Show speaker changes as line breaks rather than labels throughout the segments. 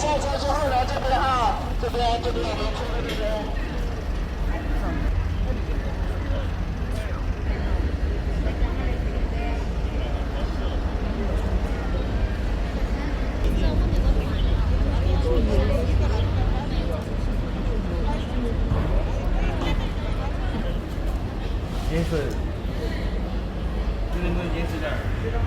下车之后呢，这边哈，这边有没有出来这边？
颜色，这个颜色点。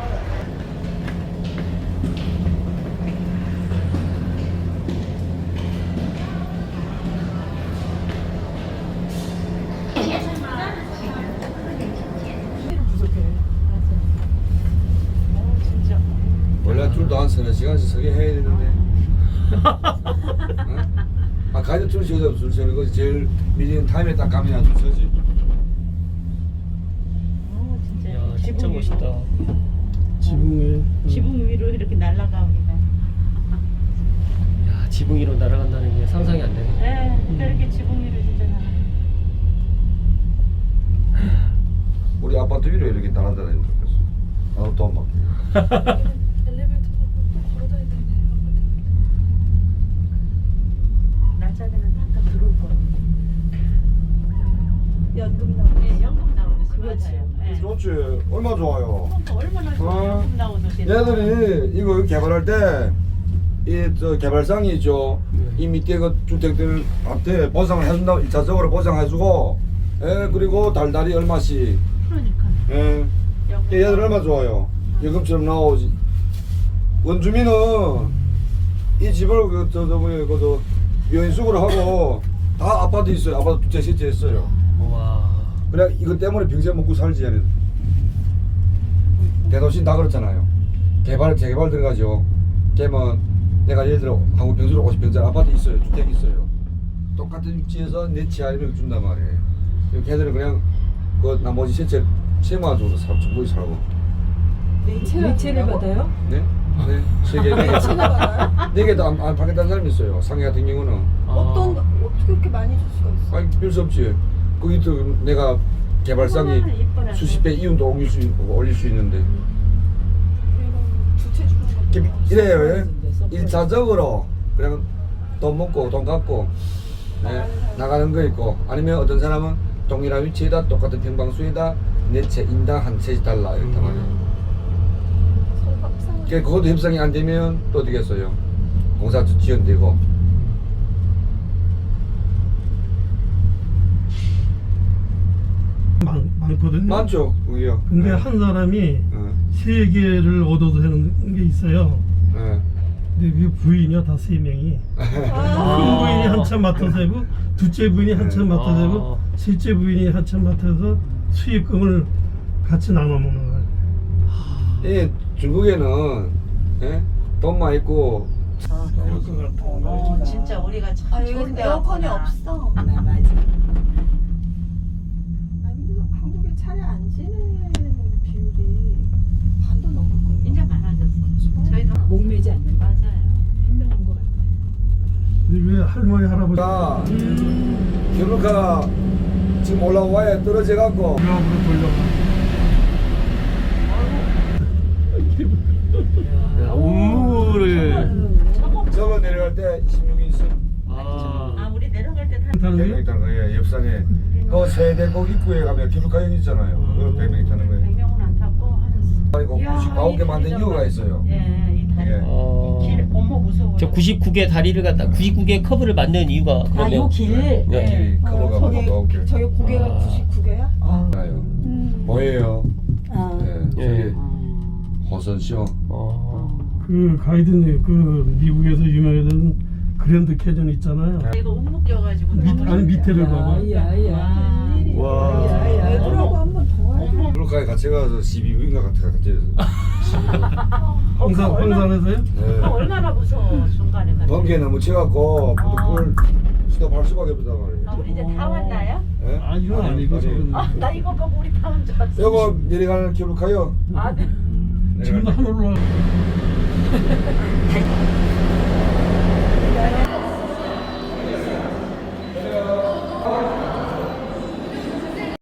원래 줄도 한 서너 시간씩 서게 해야 되는데. 응? 아 가이드 줄 서서 줄 서는 거지. 제일 밀리는 타임에 딱 가면 줄 서지.
야, 진짜 멋있다.
지붕 위로 이렇게 날아갑니다.
야, 지붕 위로 날아간다는 게 상상이 안 되네.
네, 이렇게 지붕 위로 진짜 날아.
우리 아파트 위로 이렇게 날아다니는 줄 알았어. 나도 또 막.
엘리베이터 또 걸어다야 되네.
낮자리는 딱 들어올 거예요.
연금 나오고.
예, 연금 나오는 거
그렇지.
맞아요. 예.
좋지. 얼마 좋아요.
얼마나 좋아요. 연금 나오는 게.
얘들이 이거 개발할 때 이 저 개발상이 있죠. 이 밑에 그 주택들한테 보상을 해준다고 1차적으로 보상해주고, 예 그리고 달달이 얼마씩.
그러니까.
예. 얘들 얼마 좋아요. 연금처럼 나오지. 원주민은 이 집을 그저 유인숙으로 하고 다 아파트 있어요. 아파트 두 채, 세 채 있어요.
와.
그래 이것 때문에 평생 먹고 살지 얘네. 대도시 다 그렇잖아요. 재개발 들어가죠. 그러면 내가 예를 들어 한국 평수로 50평짜리 아파트 있어요. 주택 있어요. 똑같은 위치에서 내 지하를 준단 말이에요. 걔들은 그냥 그 나머지 세만 줘서 충분히 살고.
매체를 받아요?
네? 네. 세계
매체를 받아요?
4개도 안 받겠다는 사람이 있어요. 상해 같은 경우는.
어떻게 그렇게 많이 줄 수가 있어?
아니 별 수 없지. 거기 또 내가 개발상이 수십 배 이윤도 올릴 수 있는데.
주체 주는 거.
이래요. 1차적으로 그냥 돈 먹고 돈 갖고 나가는 거 있고, 아니면 어떤 사람은 동일한 위치에다 똑같은 평방수에다 내 채 인당 한 채씩 달라 이렇단 말이에요. 그것도 협상이 안 되면 또 어떻겠어요? 공사 지연되고.
많거든요.
많죠, 그게요.
근데 한 사람이 세 개를 얻어도 되는 게 있어요.
네.
근데 그 부인이요 다 세 명이. 큰 부인이 한참 맡아서 하고, 둘째 부인이 한참 맡아서 하고, 셋째 부인이 한참 맡아서 수익금을 같이 나눠 먹는 거예요.
예, 중국에는 돈만 있고.
진짜 우리가 참 좋은 데
에어컨이
왔구나.
없어.
맞아.
아니 근데 한국에 차례 안 지내는 비율이 반도 넘을 거예요.
이제 많아졌어. 저희도
목매지 않는
맞아요.
현명한 것 같아요.
근데 왜 할머니 할아버지
가 결혼가 지금 올라와야 떨어져 갖고.
유학으로 돌려가.
야, 운무를.
저거 내려갈 때 26인승
아, 우리 내려갈 때 다.
타는
100명
거예요?
타는 거예요. 옆산에 그 세대곡 입구에 가면 기록가형 있잖아요. 그 100명 타는 거예요.
100명은 안 탔고 한.
아이고 99개 만든 이유가 있어요.
예, 이 다리.
예.
길 어머 무서워.
저 99개 다리를 갖다 99개 커브를 만든 이유가 그러면.
요 길.
네.
길이 커버가 뭐
저게
99개.
저게 고개가 99개야?
나요. 보여요.
아.
네,
예.
저기 호선쇼.
그 가이드님 그 미국에서 유명했던 그랜드 캐전 있잖아요.
이거 움묶여가지고.
아니 밑에를 봐봐.
와.
애들하고 한 번 더 하자.
블루카에 같이 가서 12부인가 같이
황산에서요?
네.
얼마나 무서워 중간에 가.
번개 너무 치갖고 부득불 수도 발 수밖에 없단 말이에요.
우리 이제 다 왔나요?
예?
아 이건 아니고 저건.
나 이거 보고 우리 다 온 줄 알았어.
요거 내려가는 기록하요.
아, 네.
지금도 하늘로